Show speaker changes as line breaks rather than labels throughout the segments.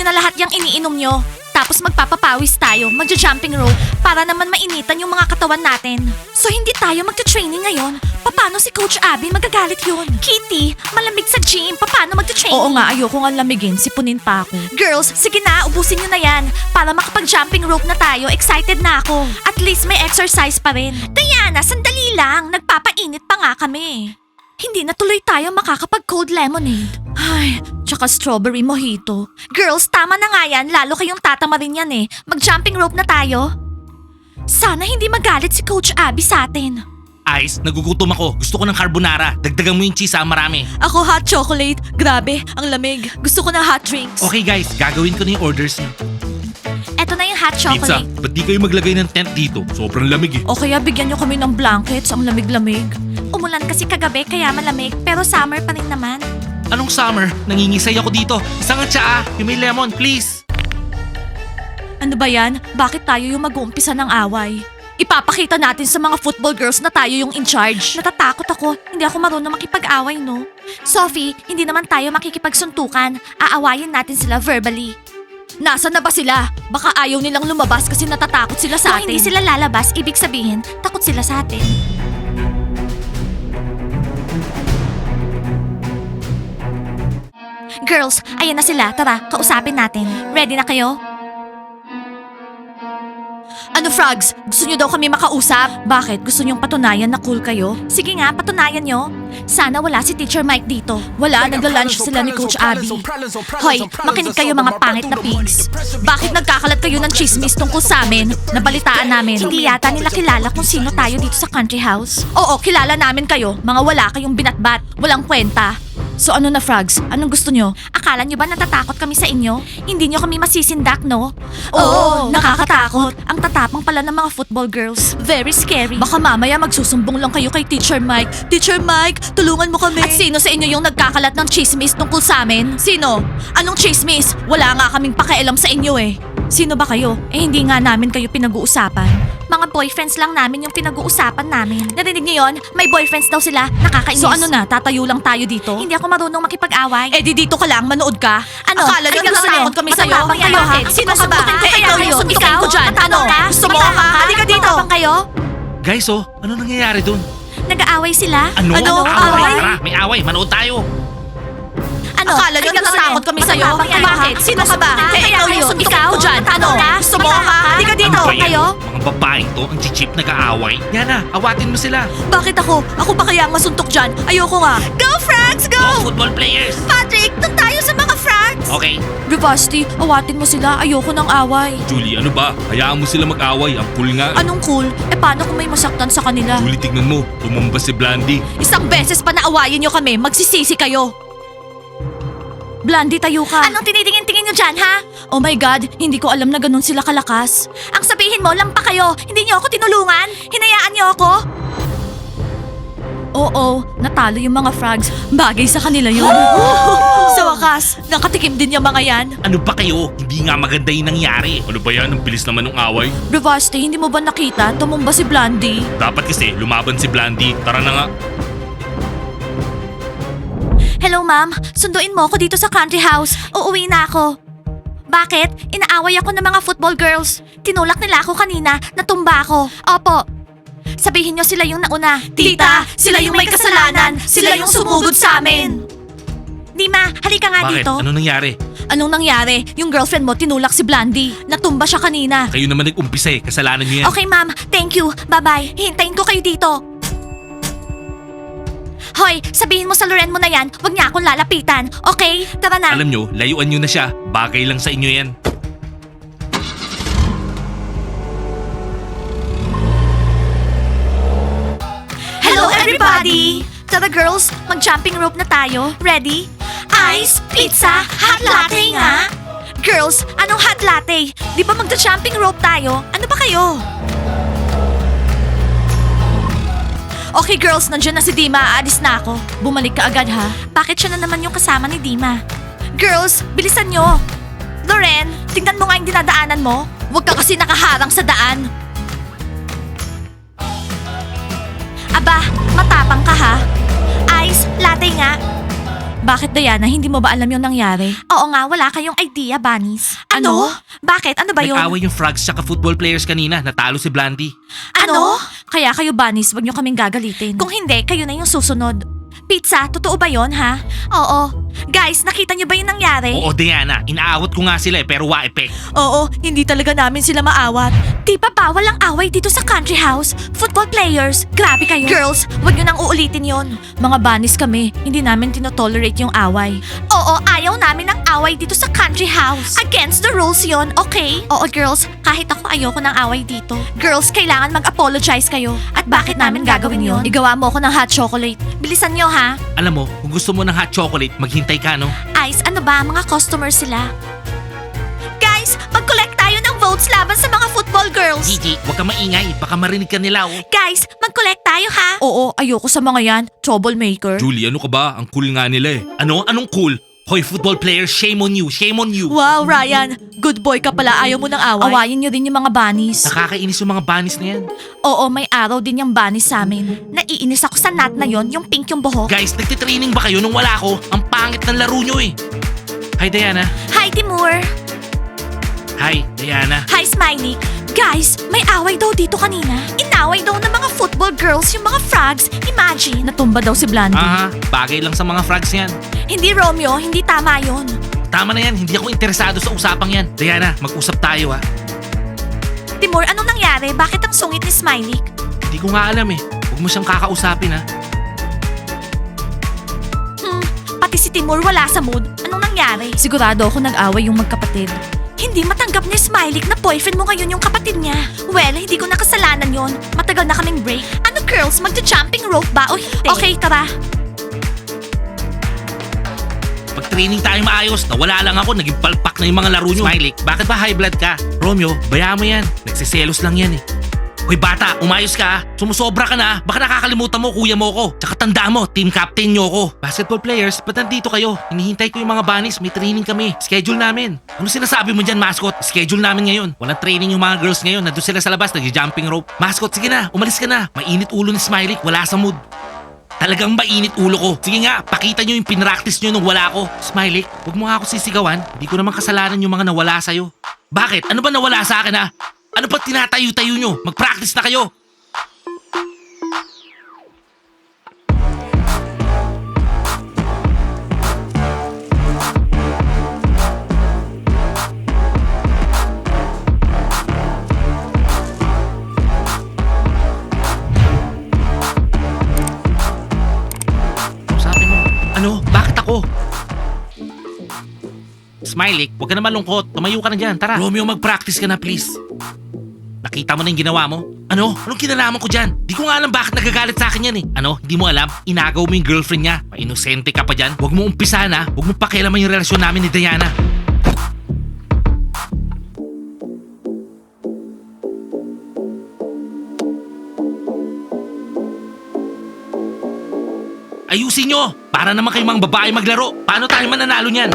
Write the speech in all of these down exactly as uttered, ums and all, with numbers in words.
na lahat yung iniinom nyo. Tapos magpapapawis tayo, magja-jumping rope para naman mainitan yung mga katawan natin. So hindi tayo magta-training ngayon? Paano si Coach Abby magagalit yun? Kitty, malamig sa gym. Paano magta-training? Oo nga, ayoko nga lamigin. Sipunin pa ako. Girls, sige na, ubusin nyo na yan. Para makapag-jumping rope na tayo, excited na ako. At least may exercise pa rin. Diana, sandali lang. Nagpapainit pa nga kami. Hindi na tuloy tayo makakapag-cold lemonade. Ay, tsaka strawberry mojito. Girls, tama na nga yan. Lalo kayong tatamarin yan eh. Mag-jumping rope na tayo. Sana hindi magalit si Coach Abby sa atin.
Ice, nagugutom ako. Gusto ko ng carbonara. Dagdagan mo yung cheese ha, marami.
Ako hot chocolate. Grabe, ang lamig. Gusto ko ng hot drinks.
Okay guys, gagawin ko na yung orders niyo.
Eto na yung hot
Pizza,
chocolate.
ba't di kayo maglagay ng tent dito? Sobrang lamig eh.
O kaya bigyan nyo kami ng blankets. Ang lamig-lamig. Umulan kasi kagabi kaya malamig. Pero summer pa rin naman.
Anong summer? Nangingisay ako dito. Isang at tsaa, yung may lemon, please.
Ano ba yan? Bakit tayo yung mag-uumpisa ng away? Ipapakita natin sa mga football girls na tayo yung in charge. Natatakot ako. Hindi ako marunong makipag-away, no? Sophie, hindi naman tayo makikipagsuntukan. Aawayin natin sila verbally. Nasaan na ba sila? Baka ayaw nilang lumabas kasi natatakot sila sa atin. Kung hindi sila lalabas, ibig sabihin, takot sila sa atin. Girls, ayan na sila. Tara, kausapin natin. Ready na kayo? Ano, Frogs? Gusto nyo daw kami makausap? Bakit? Gusto nyong patunayan na cool kayo? Sige nga, patunayan nyo. Sana wala si Teacher Mike dito. Wala, nagla-lunch sila ni Coach Abby. Hoy, makinig kayo mga pangit na pigs. Bakit nagkakalat kayo ng chismis tungkol sa amin? Nabalitaan namin. Hindi yata nila kilala kung sino tayo dito sa country house. Oo, kilala namin kayo. Mga wala kayong binatbat. Walang kwenta. So ano na, Frogs? Anong gusto nyo? Akala nyo ba natatakot kami sa inyo? Hindi nyo kami masisindak, no? Oo, nakakatakot. Ang tatapang pala ng mga football girls. Very scary. Baka mamaya magsusumbong lang kayo kay Teacher Mike. Teacher Mike, tulungan mo kami. At sino sa inyo yung nagkakalat ng chismis tungkol sa amin? Sino? Anong chismis? Wala nga kaming pakialam sa inyo eh. Sino ba kayo? Eh hindi nga namin kayo pinag-uusapan. Mga boyfriends lang namin yung pinag-uusapan namin. Narinig niyo yon? May boyfriends daw sila. Nakakainis. So ano na, tatayo lang tayo dito? Hindi ako marunong makipag-away. Eh di dito ka lang, manood ka. Ano? Akala nyo natatakot kami sa'yo? Matapang kayo ha? Sino ka ba? Eh ikaw yung suntukin ko dyan. Ano? Gusto mo ka? Halika dito. Matapang kayo?
Guys oh, ano nangyayari dun?
Nag-aaway sila?
Ano?
Ano?
Away?
Away?
Tara, may away, manood tayo.
Ano? Akala nyo natatakot kami sa'yo? Bakit? Sino ka ba? Eh ikaw yung suntukin ko dyan. Ano? Gusto mo ka? Halika dito.
Ano ba yan?
Kayo?
Mga babaeng to, ang chichip nag-aaway. Yana, awatin mo sila.
Bakit ako? Ako ba kaya ang masuntok dyan? Ayoko nga. Go, Frags!
Go,
Go!
football players.
Patrick, doon tayo sa mga Frags!
Okay.
Rivasti, awatin mo sila. Ayoko ng away.
Julie, ano ba? Hayaan mo sila mag-away. Ang cool nga.
Anong cool? Eh paano kung may masaktan sa kanila?
Julie, tignan mo. Tumumba si Blandy.
Isang beses pa naawayin nyo kami, magsisisi kayo. Blandy, tayo ka. Anong tinitingin-tingin nyo dyan, ha? Oh my God, hindi ko alam na ganun sila kalakas. Ang sabihin mo, lampa kayo. Hindi nyo ako tinulungan? Hinayaan nyo ako? Oo, natalo yung mga frogs. Bagay sa kanila yun. Sa wakas, nakatikim din yung mga yan.
Ano ba kayo? Hindi nga maganda yung nangyari. Ano ba yan? Ang bilis naman ng away.
Bravasti, hindi mo ba nakita? Tumumba si Blandy.
Dapat kasi lumaban si Blandy. Tara na nga.
Hello, ma'am. Sunduin mo ako dito sa country house. Uuwi na ako. Bakit? Inaaway ako ng mga football girls. Tinulak nila ako kanina. Natumba ako. Opo. Sabihin nyo sila yung nauna. Tita, sila yung may kasalanan. Sila yung sumugod sa amin. Dima, halika nga
Bakit?
dito.
Ano nangyari?
Anong nangyari? Yung girlfriend mo tinulak si Blandy. Natumba siya kanina.
Kayo naman nag-umpisa eh. Kasalanan niyo yan.
Okay, ma'am. Thank you. Bye-bye. Hintayin ko kayo dito. Hoy, sabihin mo sa Loren mo na yan, huwag niya akong lalapitan. Okay? Tara na.
Alam nyo, layuan nyo na siya. Bagay lang sa inyo yan.
Hello, everybody! Tara girls, mag-jumping rope na tayo. Ready? Ice, pizza, hot latte nga! Girls, anong hot latte? Di ba magja-jumping rope tayo? Ano ba kayo? Okay girls, nandiyan na si Dima. Aalis na ako. Bumalik ka agad ha. Bakit siya na naman yung kasama ni Dima? Girls, bilisan nyo. Loren, tingnan mo nga yung dinadaanan mo. Huwag ka kasi nakaharang sa daan. Aba, matapang ka ha. Ice, latte nga. Bakit, Diana? Hindi mo ba alam yung nangyari? Oo nga, wala kayong idea, Bunnies. Ano? Bakit? Ano ba yun?
Nag-away yung frogs tsaka football players kanina. Natalo si Blandy.
Ano? Kaya kayo, Bunnies, wag nyo kaming gagalitin. Kung hindi, kayo na yung susunod. Pizza, totoo ba yon ha? Oo. Guys, nakita nyo ba yung nangyari?
Oo, Diana. Inaawat ko nga sila eh, pero wa epek.
Oo, hindi talaga namin sila maawat. Di ba bawal ang away dito sa country house? Football players, grabe kayo. Girls, wag nyo nang uulitin yon. Mga Bunnies kami, hindi namin tinotolerate yung away. Oo, ayaw namin ng away dito sa country house. Against the rules yon, okay? Oo, girls, kahit ako ayoko ng away dito. Girls, kailangan mag-apologize kayo. At bakit namin gagawin yon? Igawa mo ako ng hot chocolate. Bilisan nyo ha.
Alam mo, kung gusto mo ng hot chocolate, maghintay ka, no?
Ice, ano ba? Mga customer sila. Guys, mag-collect tayo ng votes laban sa mga football girls.
Gigi, huwag ka maingay. Baka marinig ka nila, oh.
Guys, mag-collect tayo ha? Oo, ayoko sa mga yan. Troublemaker.
Julie, ano ka ba? Ang cool nga nila eh. Ano? Anong cool? Hoy, football players, shame on you, shame on you.
Wow, Ryan. Good boy ka pala. Ayaw mo ng away. Awayin nyo din yung mga bunnies.
Nakakainis yung mga bunnies na yan.
Oo, may araw din yung bunnies sa amin. Naiinis ako sa nut na yon, yung pink yung buhok.
Guys, nagtitraining ba kayo nung wala ako? Ang pangit ng laro nyo eh. Hi, Diana.
Hi, Timur.
Hi, Diana.
Hi, Smiley. Guys, may away daw dito kanina. Inaway daw ng mga football girls yung mga frogs. Imagine. Natumba daw si Blandy.
Aha, bagay lang sa mga frogs yan.
Hindi, Romeo. Hindi tama yon.
Tama na yan, hindi ako interesado sa usapang yan. Diana, mag-usap tayo ha.
Timur, anong nangyari? Bakit ang sungit ni Smiley?
Hindi ko nga alam eh. Huwag mo siyang kakausapin ha.
Hmm, pati si Timur wala sa mood. Anong nangyari? Sigurado ako nag-away yung magkapatid. Hindi matanggap ni Smiley na boyfriend mo ngayon yung kapatid niya. Well, hindi ko nakasalanan yon. Matagal na kaming break. Ano girls, magja-jumping rope ba o hindi? Okay, tara.
Pag-training tayo maayos, nawala lang ako, naging palpak na yung mga laro nyo. Smiley, bakit ba high blood ka? Romeo, bayaan mo yan. Nagsiselos lang yan eh. Hoy bata, umayos ka ah. Sumusobra ka na ah. Baka nakakalimutan mo kuya mo ko. Tsaka tanda mo, team captain nyo ko. Basketball players, ba't nandito kayo? Hinihintay ko yung mga bunnies, may training kami. Schedule namin. Ano sinasabi mo dyan, mascot? Schedule namin ngayon. Walang training yung mga girls ngayon. Nandun sila sa labas, nag-jumping rope. Mascot, sige na, umalis ka na. Mainit ulo ni Smiley, wala sa mood. Talagang mainit ulo ko. Sige nga, pakita nyo yung pinractice nyo nung wala ko. Smiley, huwag mo nga ako sisigawan. Hindi ko naman kasalanan yung mga nawala sa'yo. Bakit? Ano ba nawala sa akin ha? Ano ba tinatayo-tayo nyo? Mag-practice na kayo. Kausapin mo. Ano? Bakit ako? Smiley, huwag ka na malungkot. Tumayo ka na dyan. Tara. Romeo, mag-practice ka na please. Nakita mo na yung ginawa mo? Ano? Anong kinalaman ko dyan? Di ko nga alam bakit nagagalit sa akin yan eh. Ano? Hindi mo alam? Inagaw mo yung girlfriend niya. Mainosente ka pa dyan. Huwag mo umpisahan ha. Huwag mo pakialaman yung relasyon namin ni Diana. Ayusin nyo! Para naman kayong mga babae maglaro. Paano tayo mananalo niyan?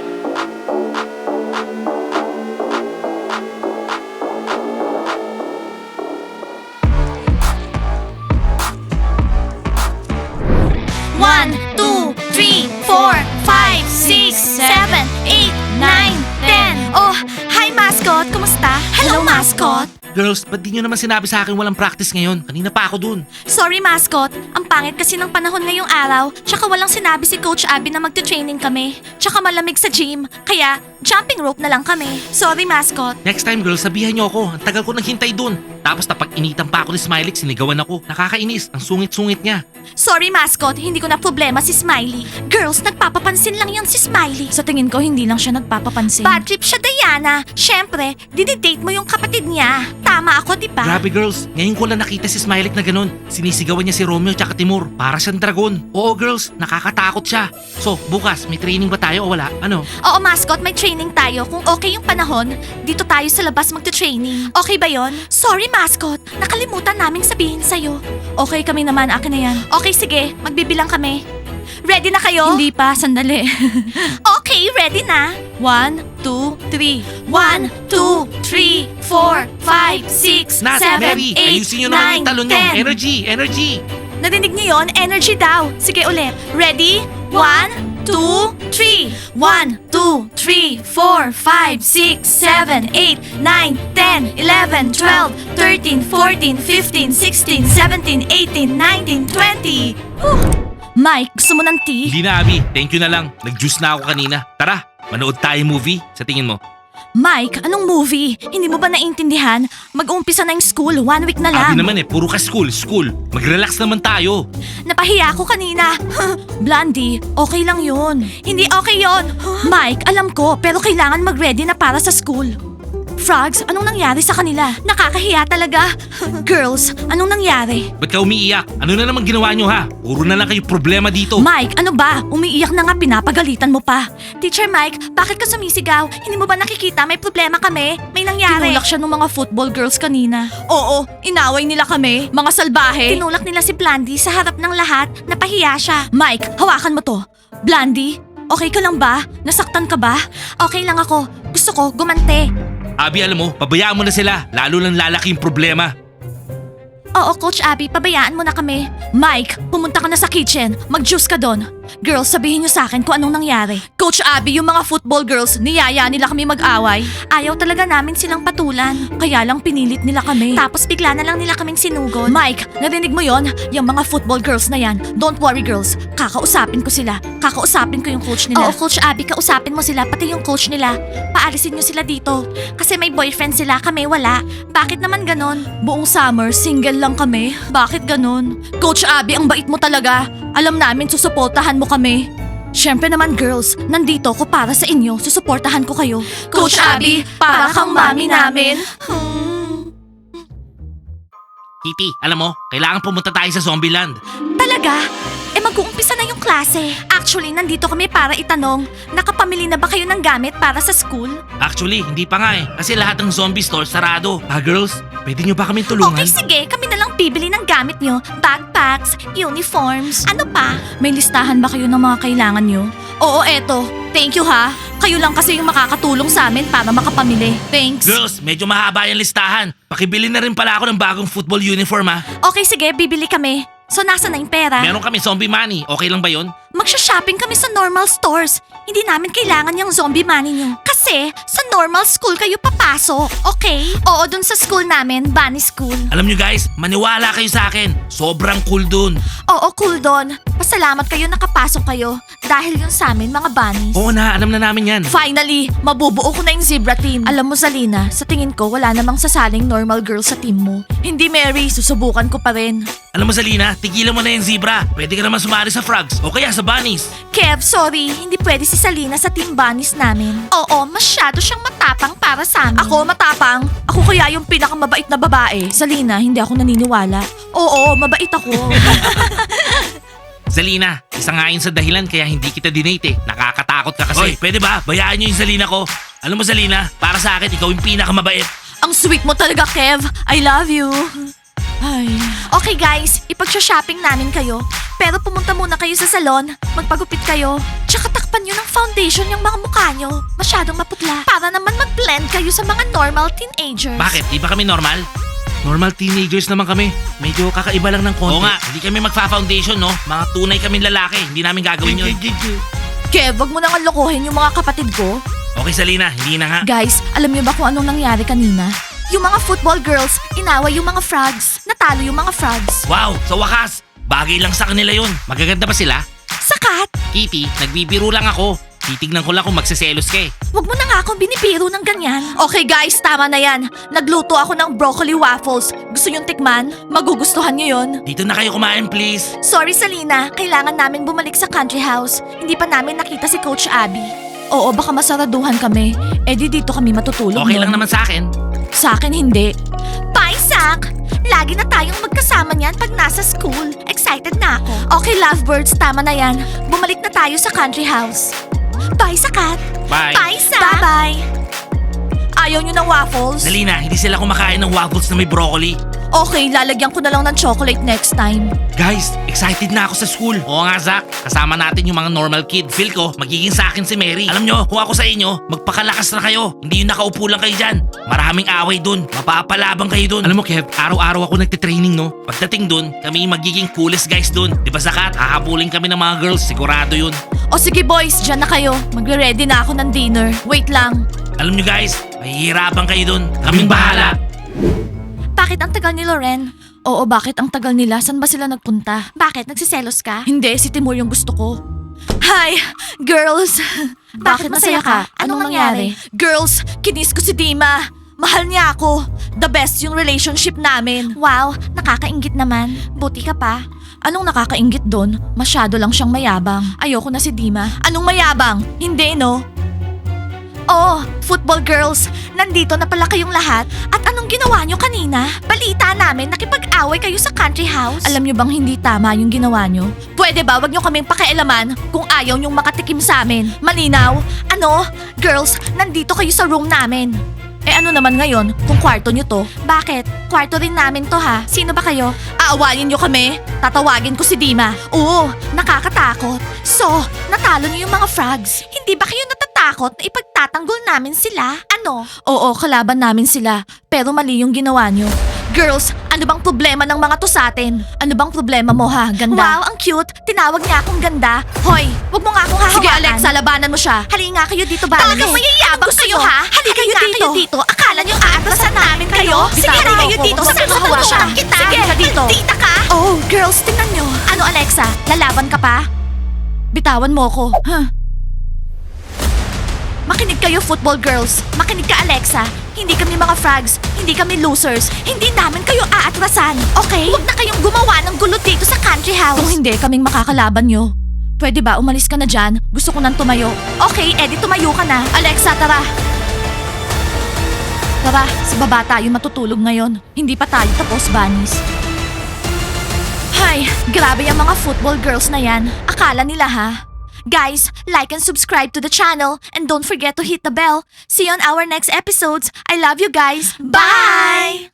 One, two, three, four, five, six, seven, eight, nine, ten. Oh, hi mascot! Kumusta? Hello, mascot!
Girls, ba't di nyo naman sinabi sa akin walang practice ngayon? Kanina pa ako dun.
Sorry, mascot. Ang pangit kasi ng panahon ngayong araw. Tsaka walang sinabi si Coach Abby na magte-training kami. Tsaka malamig sa gym. Kaya, jumping rope na lang kami. Sorry, mascot.
Next time girls, sabihan nyo ako. Ang tagal ko naghintay dun. Tapos napag-initan pa ako ni Smiley, sinigawan ako. Nakakainis. Ang sungit-sungit niya.
Sorry, mascot. Hindi ko na problema si Smiley. Girls, nagpapapansin lang yan si Smiley. Sa tingin ko, hindi lang siya nagpapapansin. Bad trip siya, Diana. Siyempre, dinidate mo yung kapatid niya. Tama ako, di ba?
Grabe girls, ngayon ko lang nakita si Smiley na ganun. Sinisigawan niya si Romeo tsaka Timur. Para siyang dragon. Oo girls, nakakatakot siya. So, bukas, may training ba tayo o wala? Ano?
Oo, mascot, may training tayo. Kung okay yung panahon, dito tayo sa labas magte-training. Okay ba yon? Sorry, mascot. Nakalimutan naming sabihin sa'yo. Okay kami naman, akin na yan. Okay, sige. Magbibilang kami. Ready na kayo? Hindi pa, sandali. Okay, ready na. One, two, three. One, two, three, four, five, six,
Nat,
seven,
Mary,
eight,
ayusin nyo naman
nine,
yung talon nyo.
ten.
Energy, energy.
Narinig niyo yon? Energy daw. Sige ulit. Ready? One, two, three. one, two, three, four, five, six, seven, eight, nine, ten, eleven, twelve, thirteen, fourteen, fifteen, sixteen, seventeen, eighteen, nineteen, twenty. Mike, gusto mo ng tea?
Hindi na, Abby. Thank you na lang. Nag-juice na ako kanina. Tara, manood tayo movie. Sa tingin mo?
Mike, anong movie? Hindi mo ba naiintindihan? Mag-uumpisa na yung school, one week na
Abby
lang.
naman eh, puro ka school, school. Mag-relax naman tayo.
Napahiya ako kanina. Blondie, okay lang yun. Hindi okay yun. Mike, alam ko, pero kailangan mag-ready na para sa school. Frogs, anong nangyari sa kanila? Nakakahiya talaga. Girls, anong nangyari?
Ba't ka umiiyak? Ano na naman ginawa nyo ha? Puro na lang kayo problema dito.
Mike, ano ba? Umiiyak na nga, pinapagalitan mo pa. Teacher Mike, bakit ka sumisigaw? Hindi mo ba nakikita may problema kami? May nangyari. Tinulak siya ng mga football girls kanina. Oo, inaway nila kami. Mga salbahe. Tinulak nila si Blandy sa harap ng lahat. Napahiya siya. Mike, hawakan mo to. Blandy, okay ka lang ba? Nasaktan ka ba? Okay lang ako. Gusto ko gumante.
Abby, alam mo, pabayaan mo na sila. Lalo lang lalaki yung problema.
Oo, Coach Abby, pabayaan mo na kami. Mike, pumunta ka na sa kitchen. Mag-juice ka doon. Girls, sabihin niyo sa akin kung anong nangyari. Coach Abby, yung mga football girls, niyaya nila kami mag-away. Ayaw talaga namin silang patulan. Kaya lang pinilit nila kami. Tapos bigla na lang nila kaming sinugod. Mike, narinig mo yon? Yung mga football girls na yan. Don't worry, girls. Kakausapin ko sila. Kakausapin ko yung coach nila. Oo, Coach Abby, kausapin mo sila, pati yung coach nila. Paalisin niyo sila dito. Kasi may boyfriend sila, kami wala. Bakit naman ganon? Buong summer, single lang kami. Bakit ganon? Coach Abby, ang bait mo talaga. Alam namin susuportahan mo kami. Siyempre naman girls, nandito ko para sa inyo. Susuportahan ko kayo. Coach Abby, para kang mami namin. Hmm.
Kitty, alam mo, kailangan pumunta tayo sa Zombieland.
Talaga? Eh mag-uumpisa na yung klase. Actually, nandito kami para itanong, nakapamili na ba kayo ng gamit para sa school?
Actually, hindi pa nga eh. Kasi lahat ng zombie store sarado. Ah, girls, pwede nyo ba kami tulungan?
Okay, sige. Kami na lang bibili ng gamit nyo. Backpacks, uniforms. Ano pa? May listahan ba kayo ng mga kailangan nyo? Oo, eto. Thank you ha. Kayo lang kasi yung makakatulong sa amin para makapamili. Thanks.
Girls, medyo mahaba yung listahan. Pakibili na rin pala ako ng bagong football uniform ha.
Okay, sige. Bibili kami. So, nasa na yung pera?
Meron kami zombie money. Okay lang ba yon?
Magsha-shopping kami sa normal stores. Hindi namin kailangan yung zombie money nyo. Kasi, sa normal school kayo papasok, okay? Oo, dun sa school namin, Bunny School.
Alam nyo guys, maniwala kayo sa akin. Sobrang cool dun.
Oo, cool doon. Pasalamat kayo nakapasok kayo. Dahil yun sa amin, mga bunnies.
Oo na, alam na namin yan.
Finally, mabubuo ko na yung zebra team. Alam mo, Zalina, sa tingin ko, wala namang sasaling normal girl sa team mo. Hindi, Mary. Susubukan ko pa rin.
Alam mo Zalina, tigilan mo na yung zebra. Pwede ka naman sumali sa frogs o kaya sa bunnies.
Kev, sorry. Hindi pwede si Salina sa team bunnies namin. Oo, masyado siyang matapang para sa amin. Ako, matapang? Ako kaya yung pinakamabait na babae. Salina, hindi ako naniniwala. Oo, mabait ako.
Zalina, isa nga yun sa dahilan kaya hindi kita dinate eh. Nakakatakot ka kasi. Oy, pwede ba? Bayaan nyo yung Zalina ko. Alam mo Zalina, para sa akin, ikaw yung pinakamabait.
Ang sweet mo talaga, Kev. I love you. Ay. Okay guys, ipag-shopping namin kayo. Pero pumunta muna kayo sa salon, magpagupit kayo. Tsaka takpan nyo ng foundation yung mga mukha nyo. Masyadong maputla. Para naman mag-blend kayo sa mga normal teenagers.
Bakit? Di ba kami normal? Normal teenagers naman kami. Medyo kakaiba lang ng konti. Oo nga, hindi kami magfa-foundation, no? Mga tunay kaming lalaki. Hindi namin gagawin yun.
Kev, wag mo nang lokohin yung mga kapatid ko.
Okay, Salina, hindi na nga.
Guys, alam niyo ba kung anong nangyari kanina? Yung mga football girls, inaway yung mga frogs. Natalo yung mga frogs.
Wow, sa wakas. Bagay lang sa kanila yun. Magaganda ba sila?
Sakat!
Kitty, nagbibiro lang ako. Titignan ko lang kung magsiselos ka eh.
Wag mo na nga akong binibiro ng ganyan. Okay guys, tama na yan. Nagluto ako ng broccoli waffles. Gusto yung tikman? Magugustuhan niyo yon.
Dito na kayo kumain, please.
Sorry Salina, kailangan namin bumalik sa country house. Hindi pa namin nakita si Coach Abby. Oo, baka masaraduhan kami. Eh di dito kami matutulog.
Okay
nun.
lang naman sa akin.
Sa akin hindi. Bye, Zach! Lagi na tayong magkasama niyan pag nasa school. Excited na ako. Okay, lovebirds, tama na yan. Bumalik na tayo sa country house. Bye, Sakat!
Bye.
Bye, Zach! Bye-bye! Ayaw niyo ng waffles?
Zalina, hindi sila kumakain ng waffles na may broccoli.
Okay, lalagyan ko na lang ng chocolate next time.
Guys, excited na ako sa school. Oo nga, Zach. Kasama natin yung mga normal kid. Feel ko, magiging sa akin si Mary. Alam nyo, kung ako sa inyo, magpakalakas na kayo. Hindi yung nakaupo lang kayo dyan. Maraming away dun. Mapapalabang kayo dun. Alam mo, Kev, araw-araw ako nagtitraining, no? Pagdating dun, kami yung magiging coolest guys dun. Di ba, Zakat? Hahabulin kami ng mga girls. Sigurado yun.
O sige boys, dyan na kayo. Magre-ready na ako ng dinner. Wait lang.
Alam nyo guys, mahihirapan kayo dun. Kaming bahala.
Bakit ang tagal ni Loren? Oo, bakit ang tagal nila? San ba sila nagpunta? Bakit? Nagsiselos ka? Hindi, si Timur yung gusto ko. Hi, girls! Bakit masaya ka? Anong nangyari? Girls, kinis ko si Dima. Mahal niya ako. The best yung relationship namin. Wow, nakakaingit naman. Buti ka pa. Anong nakakaingit doon? Masyado lang siyang mayabang. Ayoko na si Dima. Anong mayabang? Hindi, no? Oh, football girls, nandito na pala kayong lahat. At anong ginawa nyo kanina? Balita namin nakipag-away kayo sa country house. Alam nyo bang hindi tama yung ginawa nyo? Pwede ba wag nyo kaming pakialaman kung ayaw nyong makatikim sa amin? Malinaw? Ano? Girls, nandito kayo sa room namin. Eh ano naman ngayon kung kwarto nyo to? Bakit? Kwarto rin namin to ha. Sino ba kayo? Aawayin nyo kami? Tatawagin ko si Dima. Oo, nakakatakot. So, natalo nyo yung mga frogs. Hindi ba kayo natatakot na ipagtatanggol namin sila? Ano? Oo, kalaban namin sila. Pero mali yung ginawa nyo. Girls, ano bang problema ng mga to sa atin? Ano bang problema mo ha, ganda? Wow, ang cute. Tinawag niya akong ganda. Hoy, wag mo nga akong hahawakan. Sige Alexa, labanan mo siya. Halika nga kayo dito ba? Talagang mayayabang kayo ha? Halika kayo dito. dito. Akala niyo aatrasan namin kayo? Sige, halika kayo dito. Sabi mo hawakan kita. Sige, dito. Tita ka? Oh, girls, tingnan nyo. Ano Alexa, lalaban ka pa? Bitawan mo ko. Huh? Makinig kayo, football girls. Makinig ka, Alexa. Hindi kami mga frogs. Hindi kami losers. Hindi namin kayo aatrasan. Okay? Huwag na kayong gumawa ng gulo dito sa country house. Kung hindi, kaming makakalaban nyo. Pwede ba umalis ka na dyan? Gusto ko nang tumayo. Okay, Eddie, tumayo ka na. Alexa, tara. Tara, sa baba tayo matutulog ngayon. Hindi pa tayo tapos, bunnies. Hay, grabe yung mga football girls na yan. Akala nila ha? Guys, like and subscribe to the channel and don't forget to hit the bell. See you on our next episodes. I love you guys. Bye!